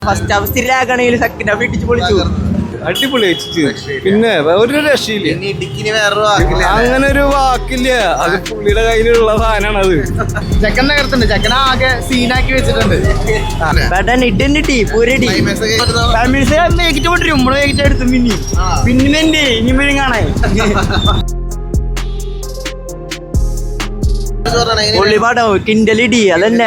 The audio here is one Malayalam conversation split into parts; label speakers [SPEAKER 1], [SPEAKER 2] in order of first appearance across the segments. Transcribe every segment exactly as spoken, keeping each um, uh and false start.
[SPEAKER 1] ഫസ്റ്റ് ഹാഫ് സ്ഥിരാക്കണെങ്കിൽ സെക്കൻഡ് ഹാഫ് ഇടിച്ച് പൊളിച്ചു.
[SPEAKER 2] അടിപൊളി പിന്നെ ഒരു രക്ഷയില്ല, അങ്ങനെ ഒരു വാക്കില്ല. അത് പുള്ളിയുടെ കയ്യിലുള്ള സാധനമാണ്. അത്
[SPEAKER 3] ചെക്കൻ നഗരത്തുണ്ട്, ചെക്കൻ ആകെ സീനാക്കി വെച്ചിട്ടുണ്ട്. എടുത്തു പിന്നെ പിന്നെ ഇനിമേലും കാണാൻ
[SPEAKER 1] പൊള്ളിപ്പാടോ കിൻഡലിടി അതന്നെ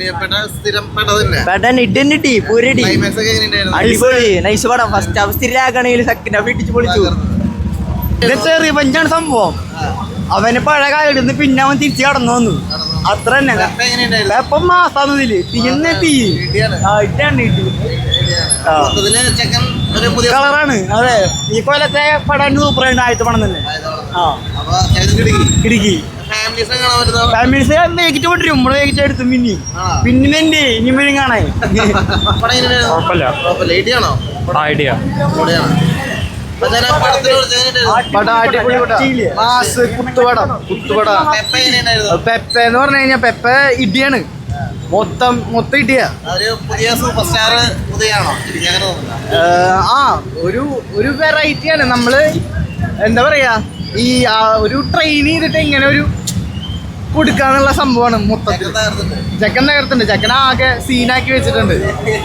[SPEAKER 1] പെടൻ ഇഡന്നിട്ടി പൂരടി അടിപൊളി നൈസ് പടം. ഫസ്റ്റ് ഹാഫ് സ്ഥിരാക്കണെങ്കിൽ സെക്കൻഡ് ഹാഫ് ഇടിച്ച് പൊളിച്ചു. ഇതൊക്കെ റിവഞ്ചാണ് സംഭവം. അവന് പഴയ കാലത്ത് പിന്നെ അവൻ തിരിച്ചു കടന്നു വന്നു, അത്ര തന്നെ. പെപ്പം മാസാന്നതില് തീർന്ന തീ ഇട്ടാണ് കളറാണ്. അതെ, ഈ കൊല്ലത്തെ പടം സൂപ്പറായിട്ട് ആദ്യത്തെ പടം തന്നെ. ആ ഇടുക്കി ഫാമിലീസ് വേഗിട്ട് കൊണ്ടിരും, നമ്മള് വേഗിട്ട് എടുത്തു പിന്നെ പിന്നെ എന്റെ ഇനിമേലും കാണാൻ.
[SPEAKER 2] ഐഡിയ
[SPEAKER 3] കുത്തുപടം കുത്തുപട പെപ്പ എന്ന് പറഞ്ഞു കഴിഞ്ഞാൽ പെപ്പ ഇടിയാണ്, മൊത്തം മൊത്തം ഇടിയ. ആ ഒരു ഒരു വെറൈറ്റിയാണ്. നമ്മള് എന്താ പറയാ, ഈ ഒരു ട്രെയിൻ ചെയ്തിട്ട് ഇങ്ങനെ ഒരു കൊടുക്കാന്നുള്ള സംഭവമാണ് മൊത്തത്തിൽ. ചെക്കൻ നഗരത്തുണ്ട്, ചെക്കൻ ആകെ സീനാക്കി വെച്ചിട്ടുണ്ട്.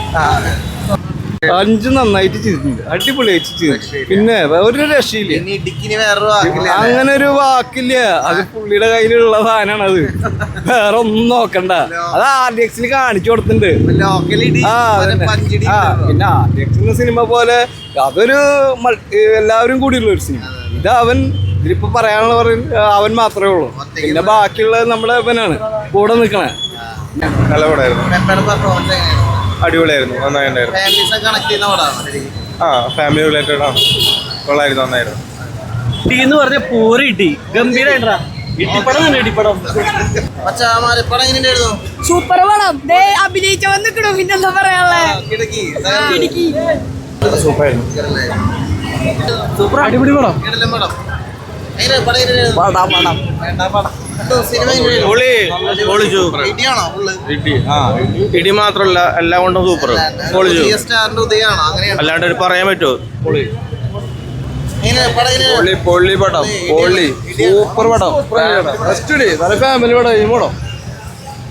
[SPEAKER 2] അഞ്ച് നന്നായിട്ട് ചെയ്തിട്ടുണ്ട്, അടിപൊളിയായിട്ട് ചെയ്തിട്ടുണ്ട്. പിന്നെ ഒരു രക്ഷയില്ല, അങ്ങനെ ഒരു വാക്കില്ല. അത് പുള്ളിയുടെ കയ്യിലുള്ള സാധനമാണ്. അത് വേറെ ഒന്നും നോക്കണ്ട. അത് ആർ ഡി എക്സിൽ കാണിച്ചു കൊടുത്തിട്ടുണ്ട്. ആ ആ പിന്നെ ആർ ഡി എക്സിന്റെ സിനിമ പോലെ അതൊരു എല്ലാവരും കൂടിയുള്ള ഒരു സിനിമ. ഇത് അവൻ ഇതിലിപ്പോ പറയാനുള്ള പറയും അവൻ മാത്രമേ ഉള്ളൂ. പിന്നെ ബാക്കിയുള്ളത് നമ്മുടെ അവനാണ് കൂടെ നിൽക്കണേ.
[SPEAKER 4] നല്ല പടമായിരുന്നു, അടിപൊളിയായിരുന്നു, നന്നായിട്ടുണ്ടായിരുന്നു. ആ ഫാമിലി റിലേറ്റഡ് ആണ്, കൊള്ളായിരുന്നു, നന്നായിരുന്നു.
[SPEAKER 3] എന്ന് പറഞ്ഞ പൂര ഇട്ടി ഗംഭീരായിട്ടാ ഇട്ടിപ്പടം തന്നെ. ഇട്ടിപ്പടം
[SPEAKER 5] സൂപ്പർ പടം, അഭിനയിച്ച വന്നിക്കണോ, പിന്നെന്താ പറയാനുള്ളത്.
[SPEAKER 3] സൂപ്പർ അടിപൊളി പടം.
[SPEAKER 4] ഇടി മാത്രല്ല, എല്ലാം കൊണ്ടും സൂപ്പർ. അല്ലാണ്ട് ഒരു പറയാൻ പറ്റുമോ? പൊള്ളി പൊള്ളി പടം, പൊള്ളി സൂപ്പർ പടം, നല്ല ഫാമിലി പടം. ഈ പടം